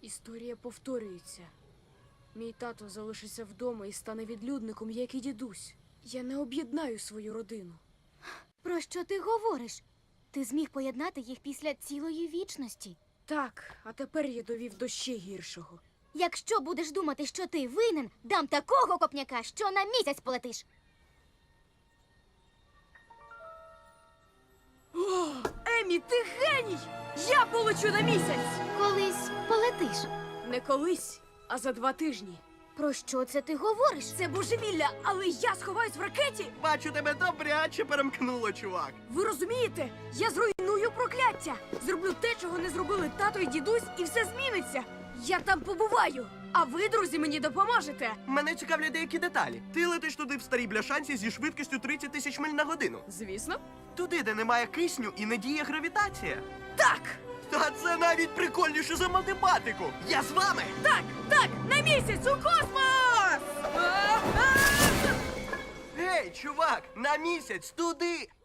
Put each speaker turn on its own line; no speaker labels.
Історія повторюється. Мій тато залишиться вдома і стане відлюдником, як і дідусь. Я не об'єднаю свою родину.
Про що ти говориш? Ти зміг поєднати їх після цілої вічності.
Так, а тепер я довів до ще гіршого.
Якщо будеш думати, що ти винен, дам такого копняка, що на місяць полетиш.
О, Емі, ти геній! Я полечу на місяць!
Колись полетиш.
Не колись, а за 2 тижні.
Про що це ти говориш?
Це божевілля, але я сховаюсь в ракеті!
Бачу, тебе добряче перемкнуло, чувак.
Ви розумієте? Я зруйную прокляття! Зроблю те, чого не зробили тато і дідусь, і все зміниться! Я там побуваю! А ви, друзі, мені допоможете!
Мене цікавлять деякі деталі. Ти летиш туди в старій бляшанці зі швидкістю 30 тисяч миль на годину.
Звісно.
Туди, де немає кисню і не діє гравітація.
Так!
Та це навіть прикольніше за математику. Я з вами!
Так! Так! На місяць! У космос!
Гей, чувак, на місяць, туди!